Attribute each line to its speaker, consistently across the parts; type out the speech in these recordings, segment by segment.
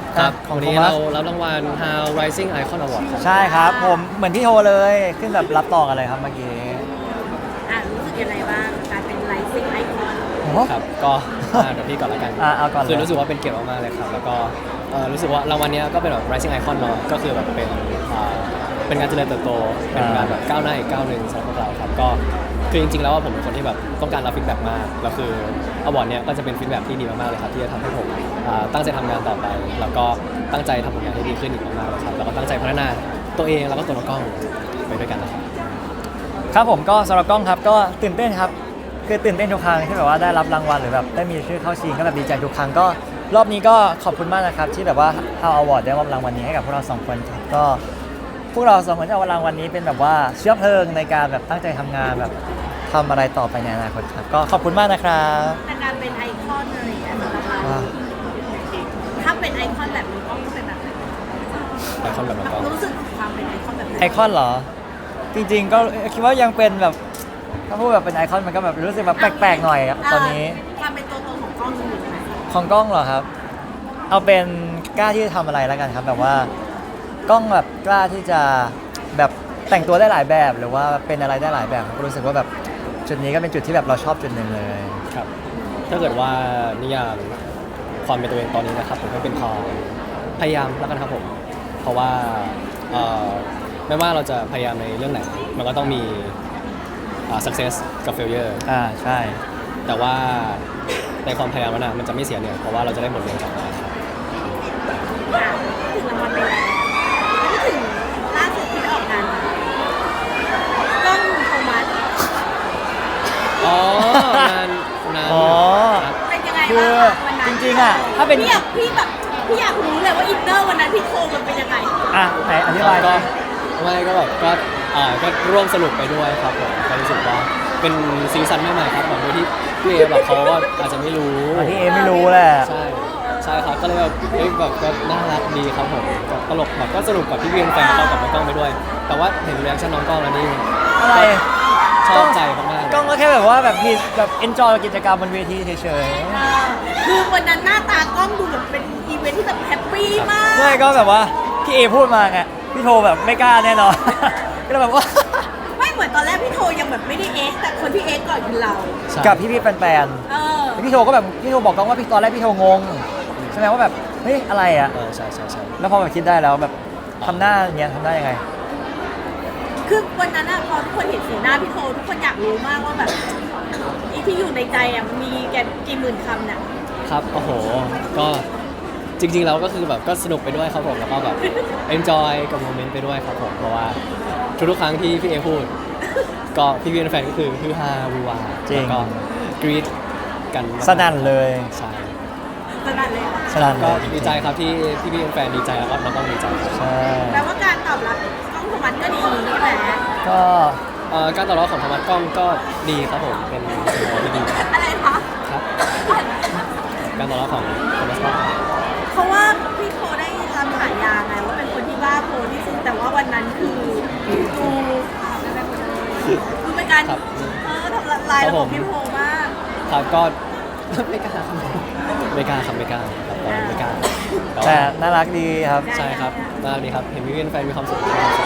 Speaker 1: ครับ
Speaker 2: ของ
Speaker 1: วัน
Speaker 2: โท
Speaker 1: นี้
Speaker 2: มั
Speaker 1: เรา
Speaker 2: ส
Speaker 1: รับรางวัล How Rising Icon Award ครับ
Speaker 2: ใช่ครับผมเหมือนพี่โทเลยขึ้นแบบรับต่อกันเลยครับเมื่อกี้
Speaker 3: รู้สึกยังไงบ้างการเป็นไลฟ์ซิงไอคอน
Speaker 2: โอ้โห
Speaker 1: ครับก็เดี๋ยวพี่ก่อนละกัน
Speaker 2: เอาก่อนเลย
Speaker 1: คือรู้สึกว่าเป็นเกียรติมากๆเลยครับแล้วก็รู้สึกว่ารางวัลเนี้ยก็เป็นแบบ Rising Icon เนาะก็คือแบบเป็นการเจริญเติบโตเป็นการแบบก้าวหน้าอีกก้าวหนึ่งสำหรับพวกเราครับก็คือจริงๆแล้วว่าผมเป็นคนที่แบบต้องการรับฟีดแบ็กมากแล้วคืออวอร์ดเนี้ยก็จะเป็นฟีดแบ็กที่ดีมากๆเลยครับที่จะทำให้ผมตั้งใจทำงานต่อไปแล้วก็ตั้งใจทำผลงานให้ดีขึ้นอีกมากๆเลยครับแล้วก็ตั้งใจพัฒนาตัวเองแล้วก็ตัวน้องกล้องไปด้วยกันนะครับ
Speaker 2: ครับผมก็สำหรับกล้องครับก็ตื่นเต้นครับคือตื่นเต้นทุกครั้งที่แบบว่าได้รับรางวัลหรือแบบได้มีชื่อเข้าชิงก็แบบดีใจทุกครั้งก็รอบนี้ก็ขอบคุณมากนะครับที่แบบว่า How Award ได้มอบรางวัลนี้ให้กับพวกเรา2คนครับก็พวกเรา2คนจะเอารางวัลนี้เป็นแบบว่าเชื้อเพลิงในการแบบตั้งใจทำงานแบบทำอะไรต่อไปในอนาคตครับก็ขอบคุณมากนะครับ
Speaker 3: แต่การเป็นไอคอนอะไรอย่างเงี้ยสำหรับเรา
Speaker 2: ว้าว
Speaker 3: ถ้าเป็นไอคอนแบบนี้ก็เป็นแบบไหน
Speaker 1: ไอคอนแบบน้องกล้อง
Speaker 3: รู้สึกถึงความเป็นไอคอนแบบไหน
Speaker 2: ไอคอนเหรอจริงๆก็คิดว่ายังเป็นแบบถ้าพูดแบบเป็นไอคอนมันก็แบบรู้สึกแบบแปลกๆหน่อยอะตอนนี้
Speaker 3: ความเป็นตัวตนของกล้องอยู่ไหน
Speaker 2: ของกล้องเหรอครับ เอาเป็นกล้าที่จะทำอะไรแล้วกันครับแบบว่ากล้องแบบกล้าที่จะแบบแต่งตัวได้หลายแบบ หรือว่าเป็นอะไรได้หลายแบบก็รู้สึกว่าแบบจุดนี้ก็เป็นจุดที่แบบเราชอบจุดหนึ่งเลย
Speaker 1: ครับถ้าเกิดว่านิยามความเป็นตัวเองตอนนี้นะครับผมก็เป็นความพยายามแล้วกันครับผมเพราะว่าไม่ว่าเราจะพยายามในเรื่องไหนมันก็ต้องมีsuccess กับ failure
Speaker 2: ใช่
Speaker 1: แต่ว่าในความพยายามนั้นมันจะไม่เสียเนี่ยเพราะว่าเราจะได้บทเรียนกลับมาครับ
Speaker 3: ถึงรางวัลไปแล้วถึงล่าสุดที่ไปออกงานมากล้องโทมัส
Speaker 1: อ๋องาน
Speaker 2: อ๋อ
Speaker 1: ครับ
Speaker 3: เป็นยังไง
Speaker 2: คือ
Speaker 3: บ้างวันนั้น
Speaker 2: จริงๆอะถ้าเป็น
Speaker 3: พี่อยากรู้เลยว่าอินเนอร์วันนั้นที่โชว์มันเป็นยังไง
Speaker 2: ไหนอธิบาย
Speaker 1: ก็ไม่ก็แบบก็ร่วมสนุกไปด้วยครับผมก็รู้สึกว่าเป็นซีซั่นใหม่ๆครับเหมือนที่พี่เอแบบเขาก็อาจจะไม่รู้
Speaker 2: ที่เอไม่รู้แหละ
Speaker 1: ใช่ใช่ครับก็เลยแบบเฮ้ยแบบก็น่ารักดีครับผมก็ตลกแบบก็สนุกกับพี่เวียนแฟนเขากับน้องกล้องไปด้วย แต่ว่าเห็นรีแอคชั่นน้องกล้องแล้วนี่
Speaker 2: อะไร
Speaker 1: ชอบใจมากๆเลย
Speaker 2: กล้องก็แค่แบบว่าแบบมีแบบ enjoy กับกิจกรรมบนเวทีเฉย
Speaker 3: คือวันนั้นหน้าตากล้องดูแบบเป็นอีเวนท์ที่แบบแฮปปี้มาก
Speaker 2: ๆไม่ก็แบบว่าพี่เอพูดมาไงพี่โทแบบไม่กล้าแน่นอน ก็เลยแบบว่า
Speaker 3: ไม่เหมือนตอนแรกพี่โทยังแบบไม่ได้เอ็กซ์แต่คนที่เอ็กซ์ก่อนคือเรา
Speaker 1: ใช่
Speaker 2: กับพี่ๆแฟน
Speaker 3: เออ
Speaker 2: ๆพี่โทก็แบบพี่โทบอกกล้องว่าพี่ตอนแรกพี่โทงงใช่ไหมว่าแบบเฮ้ยอะไรอ่ะ
Speaker 1: ใช่ใช่ใช่
Speaker 2: แล้วพอแบบคิดได้แล้วแบบทำหน้าอย่างเงี้ยทำได้ยังไง
Speaker 3: คือวันนั้นอะพอทุกคนเห็นสีหน้าพี่โททุกคนอยากรู้มากว่าแบบไอีที่อยู่ในใจอะมันมีแกกี่หมื่นคำเนี่ย
Speaker 1: ครับโอ้โหก็จริงๆแล้วก็คือแบบก็สนุกไปด้วยครับผมแล้วก็แบบ enjoy กับโมเมนต์ไปด้วยครับผมเพราะว่าทุกๆครั้งที่พี่เอพูด ก็พี่เวียนแฟนก็คือฮือฮาวูวา
Speaker 2: จริง
Speaker 1: แล้วก็กรี๊ดกันมากๆ
Speaker 2: สนั่นเลย
Speaker 1: ใช่
Speaker 3: ขนาดเลยอะ
Speaker 2: สนั่นเล
Speaker 1: ก็
Speaker 2: ย
Speaker 1: ดีใจครับที่พี่เวียนแฟนดีใจแล้วก็น้องต้องดีใจครับ
Speaker 2: ใช่
Speaker 3: แปลว่าการตอบรับกล้องโทมัสก็ดีใช่ไหม
Speaker 2: ก็
Speaker 1: การตอบรับของธรรมะกล้องก็ดีครับผมเป็นสิ่งที่ดีครับ
Speaker 3: อะไรคะ
Speaker 1: การตอบรับของธรรมะกล้อง
Speaker 3: เพราะว่าพี่โทได้รับฉายาไงว่าเป็นคนที่บ้าโพที่สุดแต่ว่าวันนั้นคือดูเป็นการทำลายระบบพี่โทมาก
Speaker 1: ครับก็ ไม่กล้าครับไม่กล้าครับไม่กล้าครับตอนนี้ไม่กล้า
Speaker 2: แต่น่ารักดีครับ
Speaker 1: ใช่ครับน่ารักดีครับเห็นพี่เวียนแฟนมีความสุขมีความสุข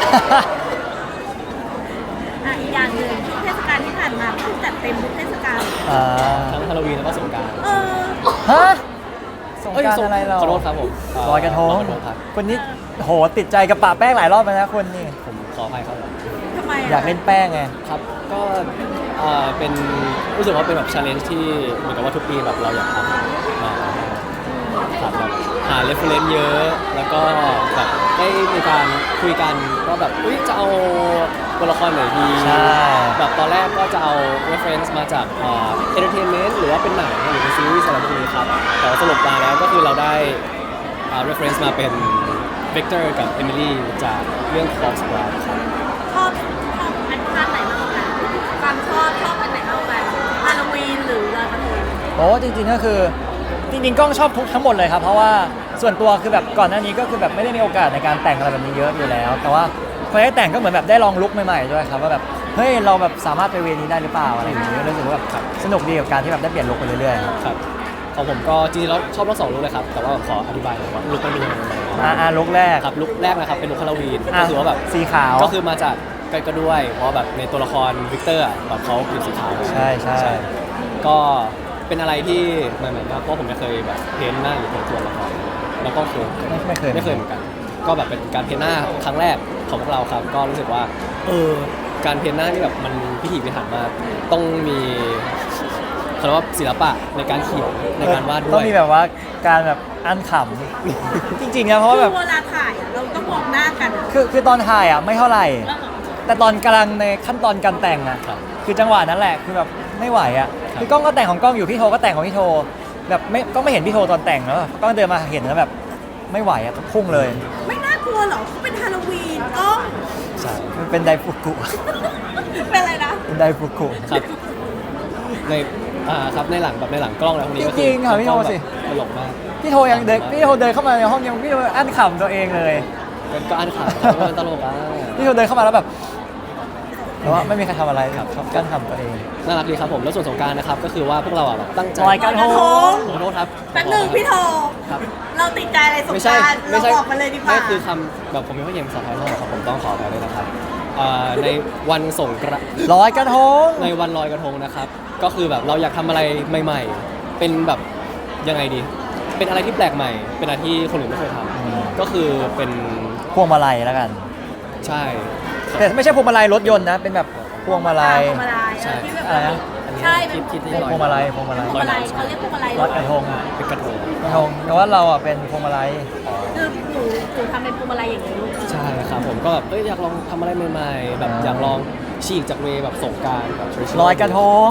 Speaker 3: อีกอย่างหนึ่งช่วงเทศกาลที่ผ่านมาคือจัดเต็มทุกเทศกาล
Speaker 1: ทั้งฮาโลวีนแล้วก็สงกรานต์
Speaker 3: เออ
Speaker 2: ฮะสงกรารอะไรเรา
Speaker 1: ขอโทษครับผม
Speaker 2: ลอยกระทง
Speaker 1: ลอยกระทงครับ
Speaker 2: คนนี้โหติดใจกับปะแป้งหลายรอบแล้วนะคนนี่
Speaker 1: ผมขออภัยครับ
Speaker 3: ทำไม
Speaker 2: อยากเล่นแป้งไง
Speaker 1: ครับก็เป็นรู้สึกว่าเป็นแบบ challenge ที่เหมือนกับว่าทุกปีแบบเราอยากทำครับแบบหา reference เยอะ แล้วก็แบบได้มีการคุยกันว่าแบบอุ๊ยจะเอาตัวละครไหนดี
Speaker 2: ใช่
Speaker 1: แบบตอนแรกก็จะเอา reference มาจากentertainment หรือว่าเป็นหนังหรือเป็นซีรีส์อะไรพวกนี้ครับแต่ว่าสรุปมาแล้วก็คือเราได้ reference มาเป็น Victor กับ Emily จากเรื่อง Cross Blood ครับ
Speaker 3: ชอบอันภาคไหนมากกว่ากันความชอบอันไหนมากกว่ากันฮาโลวีนหรือลอยกระทง
Speaker 2: โอ้จริงๆก็คือจริงๆกล้องชอบทุกทั้งหมดเลยครับเพราะว่าส่วนตัวคือแบบก่อนหน้านี้ก็คือแบบไม่ได้มีโอกาสในการแต่งอะไรแบบนี้เยอะอยู่แล้ว แต่ว่าพอได้แต่งก็เหมือนแบบได้ลองลุคใหม่ๆด้วยครับว่าแบบเฮ้ยเราแบบสามารถไปเวนี้ได้หรือเปล่าอะไรอย่างเงี้ยรู้สึกว่าแบบสนุกดีกับการที่แบบได้เปลี่ยนลุคไปเรื่อยๆครับ
Speaker 1: ครับของผมก็จริงๆแล้วชอบทั้งสองลุคเลยครับแต่ว่าขออธิบายหน่อยว่าลุคมันเป็นยังไง
Speaker 2: ลุกแรก
Speaker 1: ครับลุคแรกนะครับเป็นลุคฮาโลวีน
Speaker 2: อ่ะ
Speaker 1: ก็คือว่าแบบ
Speaker 2: สีขาว
Speaker 1: ก็คือมาจากก็ด้วยเพราะแบบในตัวละครวิกเตอร์อะแบบเขาผิวสีขาว
Speaker 2: ใช่ใช่
Speaker 1: ก็เป็นอะไรที่ใหม่ๆมากเพราะผมไม่เคยแบบเพ้นท์หน้าอยู่ในตัวละครแล้วก็คือ
Speaker 2: ไม่เคย
Speaker 1: เหมือนกัน ก็แบบเป็นการเพ้นท์หน้าครั้งแรกของพวกเราครับ ก็รู้สึกว่าการเพ้นท์หน้านี่แบบมันพิถีพิถันมากต้องมีเขาเรียกว่าศิลปะในการเขียนในการวาดด้วย
Speaker 2: ต้องมีแบบว่าการแบบอันขำ จริงๆนะเพราะว่าแบบ
Speaker 3: คือเวลาถ่ายอะเราต้องมองหน้ากันอะ
Speaker 2: คือตอนถ่ายอ่ะไม่เท่าไหร่ แต่ตอนกำลังในขั้นตอนการแต่งอ่ะ
Speaker 1: ครับ
Speaker 2: คือจังหวะนั้นแหละคือแบบไม่ไหวอ่ะ
Speaker 1: ครับ
Speaker 2: คือกล้องก็แต่งของกล้องอยู่พี่โทก็แต่งของพี่โทแบบไม่เห็นพี่โทตอนแต่งแล้วกล้องเดินมาเห็นแล้วแบบไม่ไหวอ่ะพุ่งเลย
Speaker 3: ไม่น่ากลัวเหรอเขาเป็นฮาโลวีนก็
Speaker 1: ใช่
Speaker 2: มันเป็นไดฟุกุ
Speaker 3: เป็นอะไรนะ
Speaker 2: เป็นไดฟุกุ
Speaker 1: ครับในครับในหลังกล้องแล้วพวกนี้ก็
Speaker 2: จริงๆค่ะพี่โทสิ
Speaker 1: ตลกมาก
Speaker 2: พี่โทยังเดินพี่โทเดินเข้ามาในห้องยังพี่โทอั้นขำตัวเองเลย
Speaker 1: ก็อันขาดเพราะว่ามันตลกอ่ะ
Speaker 2: พี่โทเดินเข้ามาแล้วแบบแต่ว่าไม่มีใครทำอะไรครับกั้นขำตัวเอง
Speaker 1: น่ารักดีครับผมแล้วส่วนสงกรารนะครับก็คือว่าพวกเราอ่ะแบบตั้งใจ
Speaker 2: ลอยกระทง
Speaker 1: ขอโทษครับ
Speaker 3: แป๊บหนึงพี่โท
Speaker 1: ครับ
Speaker 3: เราติดใจอะไรสง
Speaker 1: ไม่
Speaker 3: ก
Speaker 1: ใช่
Speaker 3: รารเรา
Speaker 1: ไม่ใช่
Speaker 3: บอกมาเลยดีกว่า
Speaker 1: ไม่คือคำแบบผมไม่ค่อยเย็นภาษาไทยเท่าไหร่ครับผมต้องขออภัยด้วยนะครับในวันสงกรานต์
Speaker 2: ลอยกระทง
Speaker 1: ในวันลอยกระทงนะครับ ก็คือแบบเราอยากทำอะไรใหม่ ๆ เป็นแบบยังไงดี เป็นอะไรที่แปลกใหม่ เป็นอะไรที่คนอื่นไม่เคยทำก็คือเป็น
Speaker 2: พวงมาลัยแล้วกัน
Speaker 1: ใช่
Speaker 2: แต่ไม่ใช่พวงมาลัยรถยนต์นะ เป็นแบบพวงมาลัย
Speaker 3: พวงมาลัย
Speaker 1: ใช่
Speaker 3: ที่แบบ
Speaker 2: อะไรนะ
Speaker 3: ใช่เป็น
Speaker 1: คิดที่
Speaker 2: พวงมาลัยพวงมาลัย
Speaker 3: พวงมาลัยเขาเรียกพวงมาลัย
Speaker 2: รถกระทง
Speaker 1: เป็นกระทง
Speaker 2: กระทงแต่ว่าเราอ่ะเป็นพวงมาลัย
Speaker 3: คือหนูทำเป็นพวงมาลัยอย่างนี้ลูก
Speaker 1: ใช่ครับผมก็แบบอยากลองทำอะไรใหม่ๆ แบบอยากลองฉีกจากเวย์แบบสงกรารแบบ traditional
Speaker 2: ลอยกระทง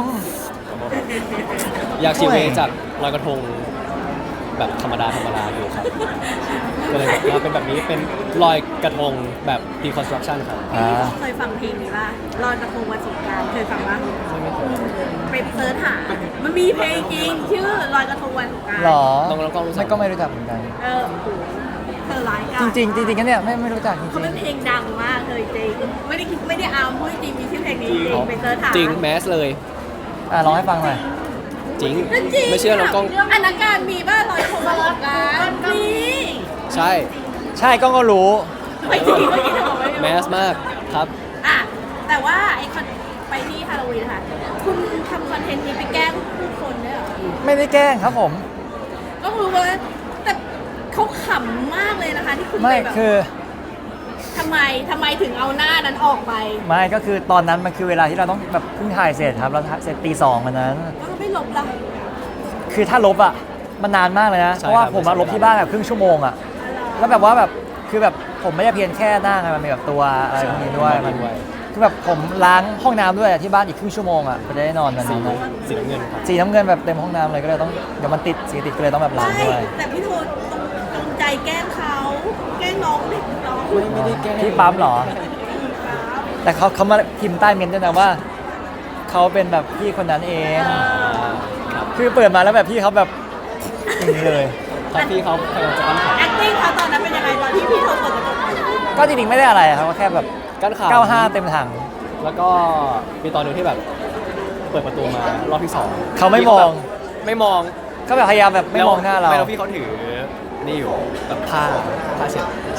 Speaker 1: อยากฉีกเวย์
Speaker 2: โอ้ย
Speaker 1: จากลอยกระทงแบบธรรมดาอยู่ครับ ก็เลยแบบว่าเป็นแบบนี้เป็นลอยกระทงแบบ deconstruction ครับ
Speaker 2: อ่า
Speaker 3: เคยฟังเพลงนี้ป่ะลอยกระทงวันสงกรานต์เคยฟังป่ะ
Speaker 1: ไม่เคย
Speaker 3: เป็นเซิร์ชหามันมีเพลงจริงชื่อลอยกระทงวันสงกรานต์
Speaker 2: หรอ
Speaker 1: ต้องรู้จัก
Speaker 2: ไม่ก็ไม่รู้จักเหมือนกัน
Speaker 3: โอ้โหเธอร้ายกา
Speaker 2: จ
Speaker 3: จ
Speaker 2: ริงๆจริงๆกันเนี่ยไม่รู้จักจ
Speaker 3: เขา
Speaker 2: ริ
Speaker 3: เป็
Speaker 2: ง
Speaker 3: นเพลงดังมากเลยจริงไม่ได้อาร์มพูดจริงมีชื่อเพลงนี้จริงไปเซิร์ชหา
Speaker 1: จริงแมสเลย
Speaker 2: ๆร้องให้ฟังหน่อย
Speaker 1: จริง
Speaker 3: จริง
Speaker 1: ไม่เชื่อเรากล้อง
Speaker 3: อนาการมีบ้าลอยกระทงวันสงกรานต์มี
Speaker 1: ใช่
Speaker 2: ใช่กล้องก็รู้
Speaker 3: ไม่จริงเมื่อกี้เธอบอกไม่รู้
Speaker 1: แมสมากครับ
Speaker 3: อ่ะแต่ว่าไอ้คอนไปที่ฮาโลวีนค่ะ คุณทำคอนเทนต์นี้ไปแกล้งผู้คนด้วยเหรอ
Speaker 2: ไม่ได้แกล้งครับผม
Speaker 3: ก็รู้ว่าแต่เขาขำมากเลยนะคะ ที่คุณ
Speaker 2: ไม่
Speaker 3: ไปแบบ
Speaker 2: คือ
Speaker 3: ทำไมถึงเอาหน้านั้นออกไป
Speaker 2: ไม่ก็คือตอนนั้นมันคือเวลาที่เราต้องแบบเพิ่งถ่ายเสร็จครับเราเสร็จตี 2วันนั้น
Speaker 3: แล้วก็ไม่ลบละ
Speaker 2: คือถ้าลบอ่ะมันนานมากเลยนะ
Speaker 1: ใช่
Speaker 2: เพราะว่า
Speaker 1: ครับ
Speaker 2: ผมมาลบที่บ้านแบบครึ่งชั่วโมงอ่ะ แล้วแบบว่าแบบคือแบบผมไม่ได้เพียงแค่หน้าไงมันมีแบบตัวอะไรพวกนี้ด้วยมันคือแบบผมล้างห้องน้ำด้วยอะที่บ้านอีกครึ่งชั่วโมงอ่ะจะได้นอนวัน
Speaker 1: สี
Speaker 2: นั้นนะ
Speaker 1: สีน้ำเงินครับ
Speaker 2: สีน้ำเงินแบบเต็มห้องน้ำเลยก็เลยต้องเดี๋ยวมันติดสีติดก็เลยต้องแบบล้าง
Speaker 3: ไม่
Speaker 2: ด้วย
Speaker 3: แต่พี่โทตรงใจแกล้งเขาแกล้งน้องเด็กน้อง
Speaker 1: ไม่ได้แกล้ง
Speaker 2: ที่ปั๊มเหรอ แต่เขามาพิมพ์ใต้เมนต์ด้วยนะว่าเขาเป็นแบบพี่คนนั้นเอง
Speaker 1: ครับ
Speaker 2: คือเปิดมาแล้วแบบพี่เขาแบบอย่างนี้เลย
Speaker 1: ถ้าพี่เขาพยายามจะกั้นขา
Speaker 3: acting เขาตอนนั้นเป็นยังไงตอนที่พี่โทเปิดกระจกมา
Speaker 2: ก็จริงๆไม่ได้อะไรครับก็แค่แบบ
Speaker 1: กั้นขา
Speaker 2: 95 เต็มถัง
Speaker 1: แล้วก็มีตอนหนึงที่แบบเปิดประตูมารอบที่สอง
Speaker 2: เขาไม่มอง
Speaker 1: ไม่มอง
Speaker 2: ก็แบบพยายามแบบไม่มองหน้าเรา
Speaker 1: ไม่แล้วพี่เขาถือนี่อยู่แบบผ้าเช็ดใช่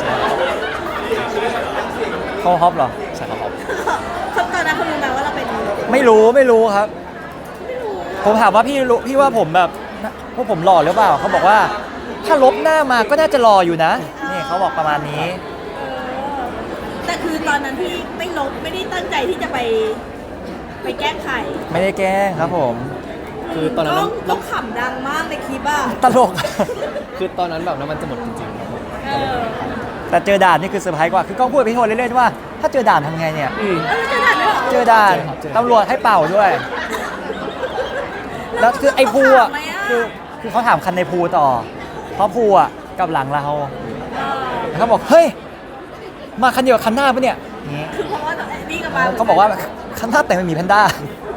Speaker 2: เขาฮอปเหรอ
Speaker 1: ใช่ครับผม
Speaker 3: เขาตอนนั้นเขารู้ไหมว่าเราเป็น
Speaker 2: ไม่รู้ครับ ผมถามว่าพี่ว่าผมแบบพวกผมหล่อหรือเปล่าเขาบอกว่า ถ้าลบหน้ามาก็น่าจะหล่ออยู่นะนี่เขาบอกประมาณนี้
Speaker 3: แต่คือตอนนั้นที่ไม่ลบไม่ได้ตั้งใจที่จะไปแกล้งใคร
Speaker 2: ไม่ได้แกล้งครับผม
Speaker 1: คือตอนนั้น
Speaker 3: ต้องขำดังมากในคลิปอ่ะ
Speaker 2: ตลก
Speaker 1: คือตอนนั้นแบบน้ำมันจะหมดจริงๆครับผม
Speaker 3: เออ
Speaker 2: แต่เจอด่านนี่คือเซอร์ไพรส์กว่าคือกล้องพูดกับพี่โทนเล่นๆว่า ถ้าเจอด่านทำไงเนี่ย
Speaker 3: แล้วจะถ่ายไม่หรอ
Speaker 2: เจอด่านตำรวจให้เป่าด้วย แล้วคือไอ้ภูอ่ะคือเขาถามคันในภูต่อ เพราะภูอ่ะกับหลังเราแล้วเขาบอกเฮ้ยมาคันเดียวกับคันหน้าปะเนี่ยอย่างงี้
Speaker 3: คือเพราะว่านี่กับมา
Speaker 2: เขาบอกว่าคันหน้าแต่งเป็นหมีแพนด้า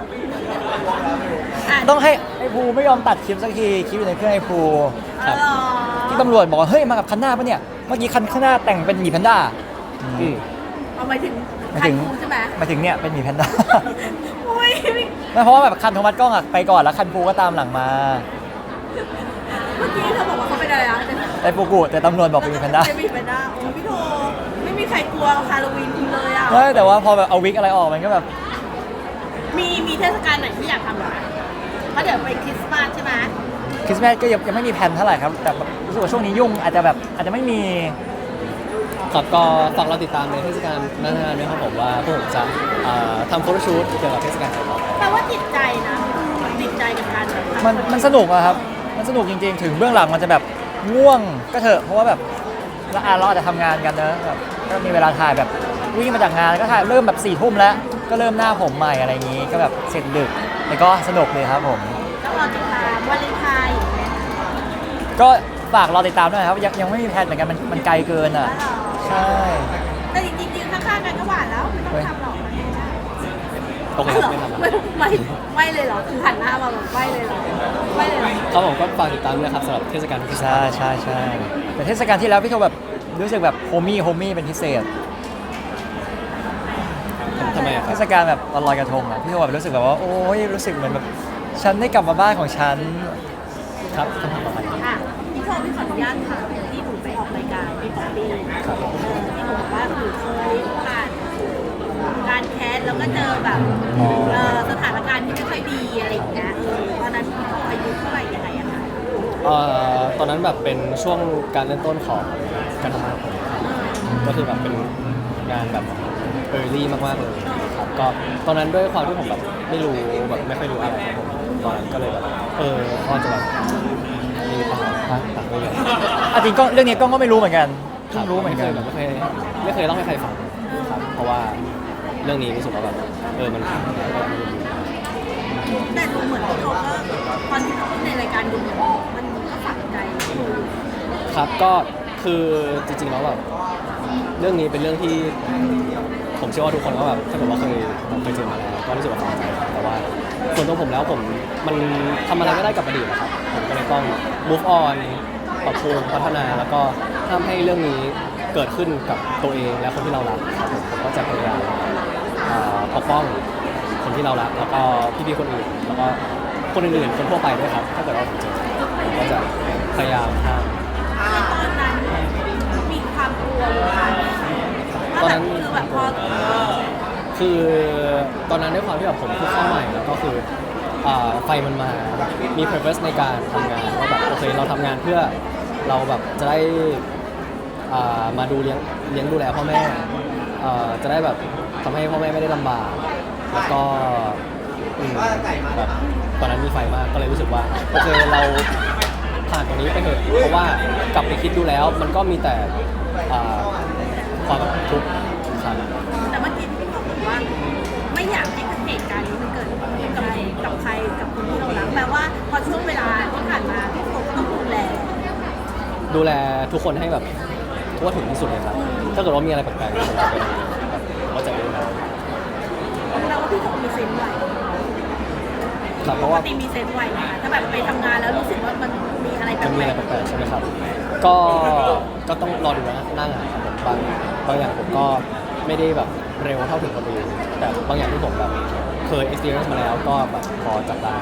Speaker 2: ต้องให้ไอ้ภูไม่ยอมตัดคลิปสักทีคลิปอยู่ในเครื่องไอ้ภู
Speaker 3: ครับ
Speaker 2: ที่ตำรวจบอกว่าเฮ้ยมากับคันหน้าปะเนี่ยเมื่อกี้คันข้างหน้าแต่งเป็นหมีแพนด้า
Speaker 1: อืม
Speaker 3: เอาหมายถึง
Speaker 2: หมายถึง
Speaker 3: คันคูใช่ไหม
Speaker 2: หมายถึงเนี่ยเป็นหมีแพนด้า
Speaker 3: โอ้ย
Speaker 2: ไม่เพราะว่าแบบคันโทมัสกล้องอะไปก่อนแล้วคันภูก็ตามหลังมา
Speaker 3: เมื่อกี้เธอบอกว่าเขาเป็นอะไรนะ
Speaker 2: ไอ้ปูกุแต่ตำรวจบอกเป็นแพนด้า
Speaker 3: เป็นแพนด้าโอ้พี่โทไม่มีใครกลัวฮาโลวีนคุณเลยอ่ะ
Speaker 2: ไม่แต่ว่าพอแบบเอาวิกอะไรออกมันก็แบบ
Speaker 3: มีเทศกาลไหนที่อยากทำเหรอเพราะเดี๋ยวไปคริสต์มาสใช่ไหม
Speaker 2: คริสต์มาสก็ยังไม่มีแผนเท่าไหร่ครับแต่แบบรู้สึกว่าช่วงนี้ยุ่งอาจจะไม่มี
Speaker 1: ครับก็ฝากเราติดตามในเทศกาลหน้าๆด้วยครับผมว่าพวกผมจะทำโฟโต้ชูตเกี่ยวกับเทศกาลของเรา
Speaker 3: แปลว่าจิตใจนะจิตใจกับการแบบ
Speaker 2: มันสนุกอะครับมันสนุกจริงๆ ถึงเบื้องหลังมันจะแบบง่วงก็เถอะเพราะว่าแบบเราอาจจะทำงานกันนะแบบก็มีเวลาถ่ายแบบวิ่งมาจากงานก็ถ่ายเริ่มแบบ4 ทุ่มแล้วก็เริ่มหน้าผมใหม่อะไรอย่างนี้ก็แบบเสร็จดึกแต่ก็สนุกเลยครับผม
Speaker 3: ต้องรอติดตามวาเลนไทน์อย่างเงี้ย
Speaker 2: ก็ฝากรอติดตามด้วยครับยังไม่มีแผนเหมือนกันมันไกลเกินอ่ะใช่
Speaker 3: แต่จริงๆข้างๆกันก็หวานแล้วไม่ต้องทำหรอกมันไม่ได้
Speaker 1: โอเคครับไม่ทำ
Speaker 3: ไม่เลยเหรอคือหันหน้ามาแบบไม่เลยเหรอไม่เลยเหรอ
Speaker 1: ครับผมก็ฝากติดตามด้วยนะครับสำหรับเทศกาลคริสต์มาส
Speaker 2: ใช่แต่เทศกาลที่แล้วพี่โทแบบรู้สึกแบบโฮมี่เป็นพิเศษ
Speaker 1: ทำไมอะค
Speaker 2: เท
Speaker 1: รับ
Speaker 2: ศกาลแบบวันลอยกระทงอ่ะพี่โทแบบรู้สึกแบบว่าโอ้ยรู้สึกเหมือนแบบฉันได้กลับมาบ้านของฉัน
Speaker 1: ครับคำถามต่อไป
Speaker 3: อ่ะพี่โทพี่ขออนุญาตถามที่หนูไปออกรายการพี่ป๊อปปี้ที่หนูบอกว่าหนูเคยผ่านการแคสแล้วก็เจอแบบสถานการณ์ที่ไม่ค่อยดีอะไรอย่างเงี้ยตอนนั้นพี่โทอายุเท่าไหร่ยังไงอะคะ
Speaker 1: ตอนนั้นแบบเป็นช่วงการเริ่มต้นของการทำงานของผมครับก็คือแบบเป็นงานแบบเออร์ลี่มากๆเลยครับก็ตอนนั้นด้วยความที่ผมแบบไม่รู้แบบไม่ค่อยรู้อะไรครับผมตอนนั้นก็เลยแบบก็จะแบบมีปัญหาต่างๆด้วยกัน
Speaker 2: อ่ะจริงก็เรื่องนี้ก็ไม่รู้เหมือนกันเพิ่งรู้เหมือนกัน
Speaker 1: แบบไม่เคยเล่าให้ใครฟังครับเพราะว่าเรื่องนี้รู้สึกว่าแบบมันผ่านมาแล้วก็ไม่รู้
Speaker 3: แต่ดูเหมือนพี่โทก็ตอนที่เขาพูดในรายการดูเหมือนมันก็ฝังใจหนู
Speaker 1: ครับก็คือจริงๆแล้วแบบเรื่องนี้เป็นเรื่องที่ผมเชื่อว่าทุกคนก็แบบถ้าเกิดว่าเคยเจอมาแล้วก็รู้สึกว่าฝังใจแต่ว่าส่วนตัวผมแล้วมันทำอะไรไม่ได้กับอดีตนะครับผมก็เลยต้อง move on ปรับปรุงพัฒนาแล้วก็ทำให้เรื่องนี้เกิดขึ้นกับตัวเองและคนที่เรารักครับผมก็จะพยายามปกป้องคนที่เรารักแล้วก็พี่ๆคนอื่นแล้วก็คนอื่นๆคนทั่วไปด้วยครับถ้าเกิดว่าผมเจอผมก็จะพยายามห้าม
Speaker 3: ตอนนั้นมีความกลัวอยู่ค่ะ
Speaker 1: ตอนนั้น
Speaker 3: คือแบบพอ
Speaker 1: คือตอนนั้นด้วยความที่แบบผมเพิ่งเข้าใหม่แล้วก็คือไฟมันมามี purpose ในการทำงานว่าแบบโอเคเราทำงานเพื่อเราแบบจะได้มาดูเลี้ยงดูแลพ่อแม่จะได้แบบทำให้พ่อแม่ไม่ได้ลำบากแล้วก็แบบตอนนั้นมีไฟมากก็เลยรู้สึกว่าโอเคเราผ่านตรงนี้ไปเถอะเพราะว่ากลับไปคิดดูแล้วมันก็มีแต่ความทุกข์ครับ
Speaker 3: แต่เมื่อกี้พี่บอกว่าไม่อยากให้เหตุการณ์นี้มันเกิดกับใครกับคนที่เรารักแปลว่าพอช่วงเวลาที่ผ่านมาพี่โฟก็ต้องดูแล
Speaker 1: ทุกคนให้แบบทั่วถึงที่สุดเลยครับถ้าเกิดว่ามีอะไรแปลกๆผมจะเป็นแบบเข้าใจด้วยนะ
Speaker 3: แปลว่าพี่โฟมีเซนส์ไว
Speaker 1: ครับเพ
Speaker 3: ป
Speaker 1: ราะ
Speaker 3: ก
Speaker 1: ว่า
Speaker 3: ติมีเซนส์ไวนะคะถ้าแบบไปทำงานแล้วรู้สึกว่ามันมีอะไรแป
Speaker 1: มันมี
Speaker 3: ล
Speaker 1: อะไร
Speaker 3: ก
Speaker 1: แปลกๆใช่ไหมครับก็ต้องรอดูนะหน้างานครับผมบางอย่างผมก็ไม่ได้แบบเร็วเท่าถึงคนอื่นแต่บางอย่างที่ผมแบบเคย experience มาแล้วก็แบบพอจับได้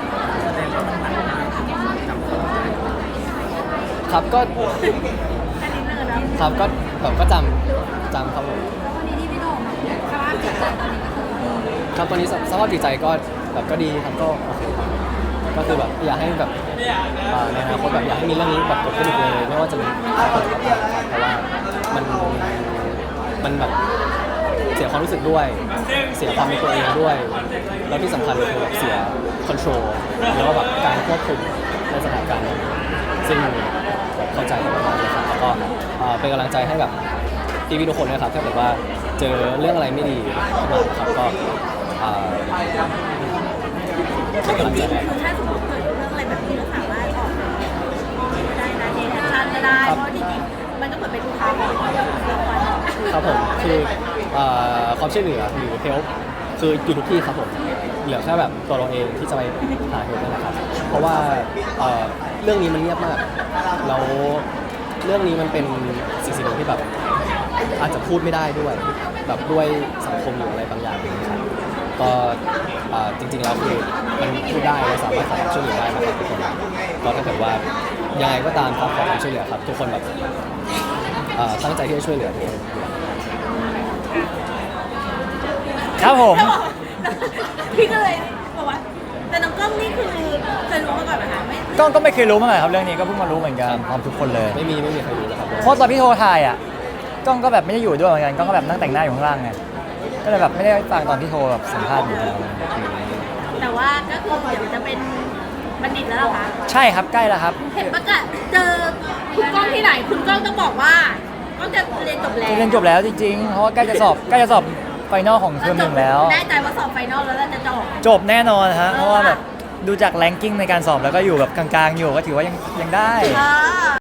Speaker 1: ครับก็
Speaker 3: ๆแค่นี้เลยนะครับ
Speaker 1: ก็แบบก็จำครับผม
Speaker 3: วันนี้ที่พี่โดมสภาพจิตใจตอนนี้
Speaker 1: ครับตอนนี้สภาพจิตใจก็แบบก็ดีครับก็โอเคครับก็คือแบบอยากให้แบบในอนาคตแบบอยากให้มีเรื่องนี้แบบเกิดขึ้นอีกเลยไม่ว่าจะเป็นใครก็ตามครับเพราะว่ามันแบบเสียความรู้สึกด้วย เสียความเป็นตัวเองด้วย แล้วที่สำคัญคือแบบเสียคอนโทรลแล้วก็แบบการควบคุมในสถานการณ์นั้นซึ่งแบบเข้าใจกันมากๆเลยครับแล้วก็เป็นกำลังใจให้แบบพี่ๆทุกคนนะครับถ้าเกิดว่าเจอเรื่องอะไรไม่ดีขึ้นมาครับก็เป็นกำลัง
Speaker 3: จ
Speaker 1: ใจ
Speaker 3: ริง
Speaker 1: ให้
Speaker 3: ๆคือถ้าสมมติเกิดเรื่องอะไรแบบนี้ก็สามารถออกก็ได้นะเทคแอคชั่นก็ได้เพราะจริงๆมันก็เหมือนเป็นอุทาหรณ์ที่เราควร
Speaker 1: ครับผมคือความช่วยเหลือหรือ help คืออยู่ทุกที่ครับผมเหลือแค่แบบตัวเราเองที่จะไปหา help นั่นแหละครับเพราะว่าเรื่องนี้มันเงียบมากแล้วเรื่องนี้มันเป็นสิ่งหนึ่งที่แบบอาจจะพูดไม่ได้ด้วยแบบด้วยสังคมหรืออะไรบางอย่างนะครับก็จริงๆแล้วคือมันพูดได้เราสามารถขอความช่วยเหลือได้นะครับทุกคนก็ถ้าเกิดว่ายังไงก็ตามครับขอความช่วยเหลือครับทุกคนแบบตั้งใจที่จะช่วยเหลือทุกคน
Speaker 2: ครับผม
Speaker 3: แล้วบอกพี่ก็เลยบอกว่าแต่น้องกล้องนี่คือเคยรู้มาก่อนไหมคะไม่
Speaker 2: ก็ไม่เคยรู้มาก่อนครับเรื่องนี้ก็เพิ่งมารู้เหมือนกันพร้อมทุกคนเลย
Speaker 1: ไม่มีใครรู้นะครับ
Speaker 2: เพราะตอนพี่โทรถ่ายอ่ะกล้องก็แบบไม่ได้อยู่ด้วยเหมือนกันกล้องก็แบบนั่งแต่งหน้าอยู่ข้างล่างไงก็เลยแบบไม่ได้ฟังตอนพี่โทรแบบสัมภาษณ์อยู่
Speaker 3: แต่ว่าก็คือเดี๋ยวจะเป็นบัณฑิตแล้วเหรอคะ
Speaker 2: ใช่ครับใกล้แล้วครับ
Speaker 3: เห็นประกาศเจอคุณกล้องที่ไหนคุณกล้องต้องบอกว่าก็จะเรียนจบแล้ว
Speaker 2: เรียนจบแล้วจริงๆเพราะว่าใกล้จะสอบไฟนอลของเทอมหนึ่งแล้ว
Speaker 3: แน่ใจว่าสอบไฟนอลแล้วจะจบ
Speaker 2: จบแน่นอนฮะเพราะว่าแบบดูจากแรงกิ้งในการสอบแล้วก็อยู่แบบกลางๆอยู่ก็ถือว่ายังได้
Speaker 3: อ่า